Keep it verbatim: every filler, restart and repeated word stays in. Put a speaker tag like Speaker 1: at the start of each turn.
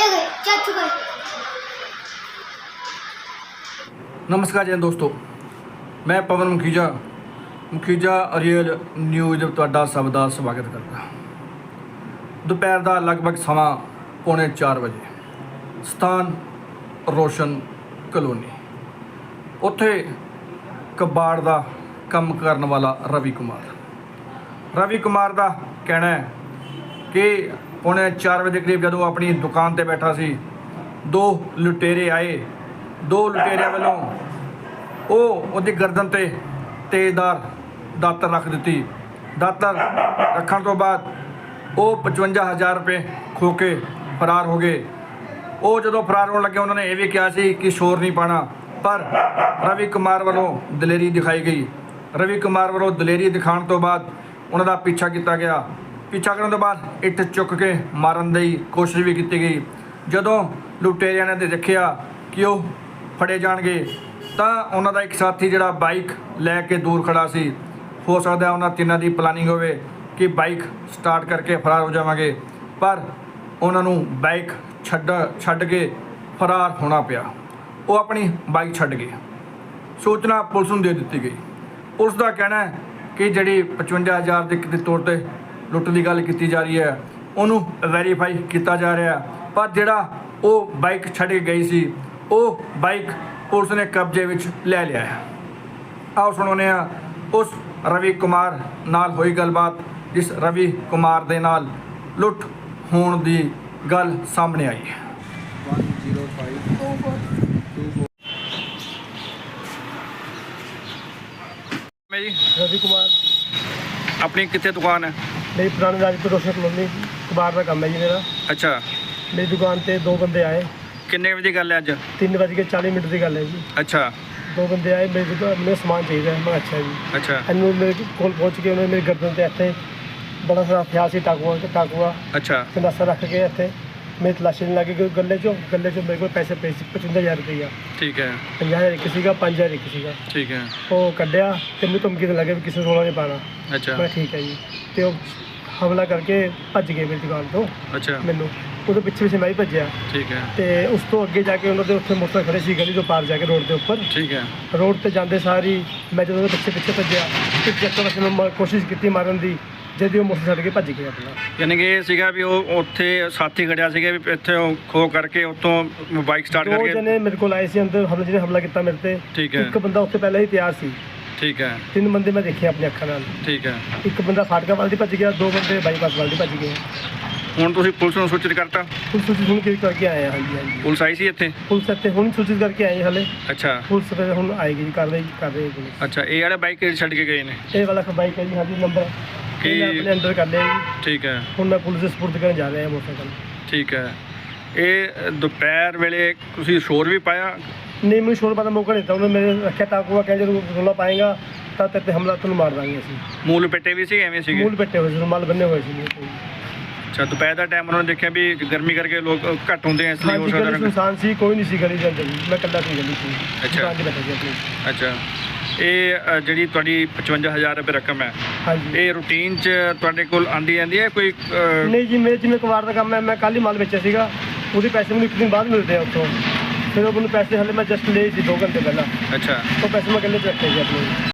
Speaker 1: नमस्कार जी दोस्तों, मैं पवन मुखीजा मुखीजा रियल न्यूज़ ਤੁਹਾਡਾ ਸਭ ਦਾ ਸਵਾਗਤ ਕਰਦਾ। ਦੁਪਹਿਰ ਦਾ ਲਗਭਗ ਸਮਾਂ ਪੌਣੇ ਚਾਰ ਵਜੇ, ਸਥਾਨ ਰੋਸ਼ਨ ਕਲੋਨੀ। ਉੱਥੇ ਕਬਾੜ ਦਾ ਕੰਮ ਕਰਨ ਵਾਲਾ ਰਵੀ ਕੁਮਾਰ ਰਵੀ ਕੁਮਾਰ ਦਾ ਕਹਿਣਾ ਹੈ ਕਿ ਪੌਣੇ ਚਾਰ ਵਜੇ ਦੇ ਕਰੀਬ ਜਦੋਂ ਆਪਣੀ ਦੁਕਾਨ ਤੇ ਬੈਠਾ ਸੀ, ਦੋ ਲੁਟੇਰੇ ਆਏ। ਦੋ ਲੁਟੇਰਿਆਂ ਵੱਲੋਂ ਉਹ ਉਹਦੀ ਗਰਦਨ ਤੇ ਤੇਜ਼ਦਾਰ ਦਾਤਰ ਰੱਖ ਦਿੱਤੀ। ਦਾਤਰ ਰੱਖਣ ਤੋਂ ਬਾਅਦ ਉਹ ਪਚਵੰਜਾ ਹਜ਼ਾਰ ਰੁਪਏ ਖੋ ਕੇ ਫਰਾਰ ਹੋ ਗਏ। ਉਹ ਜਦੋਂ ਫਰਾਰ ਹੋਣ ਲੱਗੇ, ਉਹਨਾਂ ਨੇ ਇਹ ਵੀ ਕਿਹਾ ਸੀ ਕਿ ਸ਼ੋਰ ਨਹੀਂ ਪਾਉਣਾ, ਪਰ ਰਵੀ ਕੁਮਾਰ ਵੱਲੋਂ ਦਲੇਰੀ ਦਿਖਾਈ ਗਈ। ਰਵੀ ਕੁਮਾਰ ਵੱਲੋਂ ਦਲੇਰੀ ਦਿਖਾਉਣ ਤੋਂ ਬਾਅਦ ਉਹਨਾਂ ਦਾ ਪਿੱਛਾ ਕੀਤਾ ਗਿਆ। ਪਿੱਛਾ ਕਰਨ ਤੋਂ ਬਾਅਦ ਇੱਟ ਚੁੱਕ ਕੇ ਮਾਰਨ ਦੀ ਕੋਸ਼ਿਸ਼ ਵੀ ਕੀਤੀ ਗਈ। ਜਦੋਂ ਲੁਟੇਰਿਆਂ ਨੇ ਦੇਖਿਆ ਕਿ ਉਹ ਫੜੇ ਜਾਣਗੇ ਤਾਂ ਉਹਨਾਂ ਦਾ ਇੱਕ ਸਾਥੀ ਜਿਹੜਾ ਬਾਈਕ ਲੈ ਕੇ ਦੂਰ ਖੜਾ ਸੀ, ਹੋ ਸਕਦਾ ਉਹਨਾਂ ਤਿੰਨਾਂ ਦੀ ਪਲਾਨਿੰਗ ਹੋਵੇ ਕਿ ਬਾਈਕ ਸਟਾਰਟ ਕਰਕੇ ਫਰਾਰ ਹੋ ਜਾਵਾਂਗੇ, ਪਰ ਉਹਨਾਂ ਨੂੰ ਬਾਈਕ ਛੱਡ ਛੱਡ ਕੇ ਫਰਾਰ ਹੋਣਾ ਪਿਆ। ਉਹ ਆਪਣੀ ਬਾਈਕ ਛੱਡ ਗਏ। ਸੂਚਨਾ ਪੁਲਿਸ ਨੂੰ ਦੇ ਦਿੱਤੀ ਗਈ। ਪੁਲਿਸ ਦਾ ਕਹਿਣਾ ਹੈ ਕਿ ਜਿਹੜੀ ਪਚਵੰਜਾ ਹਜ਼ਾਰ ਦੇ ਕਿਤੇ ਤੌਰ 'ਤੇ ਲੁੱਟ ਦੀ ਗੱਲ ਕੀਤੀ ਜਾ ਰਹੀ ਹੈ, ਉਹਨੂੰ ਵੈਰੀਫਾਈ ਕੀਤਾ ਜਾ ਰਿਹਾ, ਪਰ ਜਿਹੜਾ ਉਹ ਬਾਈਕ ਛੱਡ ਕੇ ਗਈ ਸੀ, ਉਹ ਬਾਈਕ ਪੁਲਿਸ ਨੇ ਕਬਜ਼ੇ ਵਿੱਚ ਲੈ ਲਿਆ ਹੈ। ਆਓ ਸੁਣਾਉਂਦੇ ਹਾਂ ਉਸ ਰਵੀ ਕੁਮਾਰ ਨਾਲ ਹੋਈ ਗੱਲਬਾਤ, ਜਿਸ ਰਵੀ ਕੁਮਾਰ ਦੇ ਨਾਲ ਲੁੱਟ ਹੋਣ ਦੀ ਗੱਲ ਸਾਹਮਣੇ ਆਈ ਹੈ। ਮੈਂ ਜੀ
Speaker 2: रवि कुमार,
Speaker 1: ਆਪਣੀ ਕਿੱਥੇ ਦੁਕਾਨ ਹੈ?
Speaker 2: मेरी पुरानी राजपुर रोशन कॉलोनी कबाड़ का काम है जी मेरा।
Speaker 1: ਅੱਛਾ,
Speaker 2: मेरी दुकान पे दो बंदे आए,
Speaker 1: ਕਿੰਨੇ ਵਜੇ ਦੀ ਗੱਲ ਹੈ ਅੱਜ?
Speaker 2: तीन बज के चालीस मिनट की गल है जी।
Speaker 1: ਅੱਛਾ
Speaker 2: दो बंदे आए, मेरी दुकान में सामान चाहिए। मैं अच्छा जी,
Speaker 1: ਅੱਛਾ
Speaker 2: इन्होंने मेरे कोल पहुँच के उन्होंने मेरी गर्दन से इतने बड़ा सारा हथियार से टाकुआ टाकुआ
Speaker 1: ਅੱਛਾ
Speaker 2: गंडासा रख के इतने मेरी तलाशी नहीं लगी। गले चो गले चो मेरे को पैसे पे पचवंजा हज़ार रुपया,
Speaker 1: ਠੀਕ ਹੈ
Speaker 2: पंजाह हज़ार एक सी पाँच हज़ार एक सी
Speaker 1: ਠੀਕ ਹੈ
Speaker 2: वो कढ़िया। तेन धमकी तो लगे भी किसी रोला नहीं पाना।
Speaker 1: ਅੱਛਾ
Speaker 2: मैं ठीक है जी। तो हमला करके भज गए मेरी दुकान तो।
Speaker 1: ਅੱਛਾ
Speaker 2: ਮੈਨੂੰ ਉਹਦੇ ਪਿੱਛੇ ਪਿੱਛੇ ਮੈਂ ਹੀ ਭੱਜਿਆ
Speaker 1: ਠੀਕ ਹੈ
Speaker 2: ਤੇ ਉਸ ਤੋਂ ਅੱਗੇ ਜਾ ਕੇ ਉਹਨਾਂ ਦੇ ਉੱਥੇ ਮੋਟਰ ਖੜੇ ਸੀ ਗਲੀ ਤੋਂ ਪਾਰ ਜਾ ਕੇ ਰੋਡ ਦੇ ਉੱਪਰ।
Speaker 1: ਠੀਕ ਹੈ
Speaker 2: ਰੋਡ ਤੇ ਜਾਂਦੇ ਸਾਰੀ ਮੈਂ ਜਦੋਂ ਉਹਦੇ ਪਿੱਛੇ ਪਿੱਛੇ ਭੱਜਿਆ ਤੇ ਚੱਕਰ ਵਿੱਚ ਮੈਂ ਕੋਸ਼ਿਸ਼ ਕੀਤੀ ਮਾਰਨ ਦੀ, ਜਦ ਉਹ ਮੋਟਰ ਛੱਡ ਕੇ ਭੱਜ ਗਿਆ ਆਪਣਾ।
Speaker 1: ਯਾਨੀ ਕਿ ਇਹ ਸੀਗਾ ਵੀ ਉਹ ਉੱਥੇ ਸਾਥੀ ਖੜਿਆ ਸੀਗਾ ਵੀ ਇੱਥੇ ਉਹ ਖੋ ਕਰਕੇ ਉੱਥੋਂ ਬਾਈਕ ਸਟਾਰਟ
Speaker 2: ਦੋ
Speaker 1: ਕਰਕੇ।
Speaker 2: ਜਣੇ ਮੇਰੇ ਕੋਲ ਆਏ ਸੀ ਅੰਦਰ, ਹਮਲੇ ਜਿਹਨੇ ਹਮਲਾ ਕੀਤਾ ਮੇਰੇ ਤੇ।
Speaker 1: ਠੀਕ ਹੈ
Speaker 2: ਇੱਕ ਬੰਦਾ ਉੱਥੇ ਪਹਿਲਾਂ ਹੀ ਤਿਆਰ ਸੀ।
Speaker 1: ਠੀਕ ਹੈ
Speaker 2: ਤਿੰਨ ਬੰਦੇ ਮੈਂ ਦੇਖੇ ਆਪਣੀ ਅੱਖਾਂ ਨਾਲ।
Speaker 1: ਠੀਕ ਹੈ
Speaker 2: ਇੱਕ ਬੰਦਾ ਫਾਟਕਾ ਵੱਲ ਦੀ ਭੱਜ ਗਿਆ, ਦੋ ਬੰਦੇ ਬਾਈਪਾਸ ਵੱਲ ਦੀ ਭੱਜ ਗਏ।
Speaker 1: ਹੁਣ ਤੁਸੀਂ ਪੁਲਿਸ ਨੂੰ ਸੂਚਿਤ ਕਰਤਾ?
Speaker 2: ਪੁਲਿਸ ਨੂੰ ਹੁਣ ਕੀ ਕਰਕੇ ਆਏ ਆ? ਹਾਂਜੀ ਹਾਂਜੀ,
Speaker 1: ਪੁਲਿਸ ਆਈ ਸੀ ਇੱਥੇ?
Speaker 2: ਪੁਲਿਸ ਇੱਥੇ ਹੁਣ ਸੂਚਿਤ ਕਰਕੇ ਆਏ ਹਲੇ।
Speaker 1: ਅੱਛਾ
Speaker 2: ਪੁਲਿਸ ਫਿਰ ਹੁਣ ਆਏਗੀ ਜੀ, ਕਾਰਵਾਈ ਕਰ ਰਹੀ ਹੈ ਪੁਲਿਸ।
Speaker 1: ਅੱਛਾ, ਇਹ ਵਾਲਾ ਬਾਈਕ ਛੱਡ ਕੇ ਗਏ ਨੇ?
Speaker 2: ਇਹ ਵਾਲਾ ਬਾਈਕ ਹੈ ਜੀ, ਹਾਂਜੀ ਨੰਬਰ
Speaker 1: ਕੀ?
Speaker 2: ਇਹ ਆਪਣੇ ਅੰਡਰ ਕਰ ਲਿਆ ਜੀ।
Speaker 1: ਠੀਕ ਹੈ
Speaker 2: ਹੁਣ ਮੈਂ ਪੁਲਿਸ ਦੇ ਸਪੁਰਦ ਕਰਨ ਜਾ ਰਿਹਾ ਹਾਂ ਮੋਟਰਸਾਈਕਲ।
Speaker 1: ਠੀਕ ਹੈ। ਇਹ ਦੁਪਹਿਰ ਵੇਲੇ ਤੁਸੀਂ ਸ਼ੋਰ ਵੀ ਪਾਇਆ?
Speaker 2: ਨਹੀਂ, ਮੈਨੂੰ ਸ਼ੋਰ ਪਾਉਣ ਦਾ ਮੌਕਾ ਨਹੀਂ ਦਿੱਤਾ। ਉਹਨੇ ਮੇਰੇ ਰੱਖਿਆ ਟਾਕੂਆ, ਕਹਿੰਦੇ ਜਦੋਂ ਰੌਲਾ ਪਾਏਗਾ ਤਾਂ ਤੇਰੇ 'ਤੇ ਹਮਲਾ ਤੁਹਾਨੂੰ ਮਾਰ ਦਾਂਗੇ ਅਸੀਂ।
Speaker 1: ਮੂਲ ਪੇਟੇ ਵੀ ਸੀ ਐਵੇਂ ਸੀਗੇ?
Speaker 2: ਮੂਲ ਬੱਟੇ ਹੋਏ ਸੀ, ਰੁਮਾਲ ਬੰਨੇ ਹੋਏ ਸੀ।
Speaker 1: ਅੱਛਾ, ਦੁਪਹਿਰ ਦਾ ਟਾਈਮ ਉਹਨਾਂ ਨੇ ਦੇਖਿਆ ਵੀ ਗਰਮੀ ਕਰਕੇ ਲੋਕ ਘੱਟ ਹੁੰਦੇ ਆ, ਇਸ ਲਈ ਹੋ
Speaker 2: ਹਾਂਜੀ, ਗਲੀ
Speaker 1: ਸਕਦਾ।
Speaker 2: ਸੁਨਸਾਨ ਸੀ, ਕੋਈ ਨਹੀਂ ਸੀ ਗਲੀ ਦੇ ਅੰਦਰ ਜੀ। ਮੈਂ ਇਕੱਲਾ ਸੀ ਗਲੀ 'ਚ।
Speaker 1: ਅੱਛਾ।
Speaker 2: ਦੁਕਾਨ 'ਤੇ ਬੈਠਾ ਸੀ ਆਪਣੀ।
Speaker 1: ਅੱਛਾ, ਇਹ ਅ, ਜਿਹੜੀ ਤੁਹਾਡੀ ਪਚਵੰਜਾ ਹਜ਼ਾਰ ਰੁਪਏ ਰਕਮ ਹੈ,
Speaker 2: ਹਾਂਜੀ।
Speaker 1: ਇਹ ਰੂਟੀਨ 'ਚ ਤੁਹਾਡੇ ਕੋਲ ਆਂਦੀ ਜਾਂਦੀ ਹੈ ਕੋਈ? ਅ,
Speaker 2: ਨਹੀਂ ਜੀ, ਮੇਰੇ ਜਿਵੇਂ ਕਬਾੜ ਦਾ ਕੰਮ ਹੈ, ਮੈਂ ਕੱਲ੍ਹ ਹੀ ਮਾਲ ਵੇਚਿਆ ਸੀਗਾ। ਉਹਦੇ ਪੈਸੇ ਮੈਨੂੰ ਇੱਕ ਦਿਨ ਬਾਅਦ ਮਿਲਦੇ ਆ ਉੱਥੋਂ। ਫਿਰ ਉਹ ਮੈਨੂੰ ਪੈਸੇ ਹਲੇ ਮੈਂ ਜਸਟ ਲਏ ਸੀ ਦੋ ਘੰਟੇ ਪਹਿਲਾਂ।
Speaker 1: ਅੱਛਾ
Speaker 2: ਉਹ ਪੈਸੇ ਮੈਂ ਗੱਲੇ 'ਚ ਰੱਖੇ ਸੀ ਆਪਣੇ।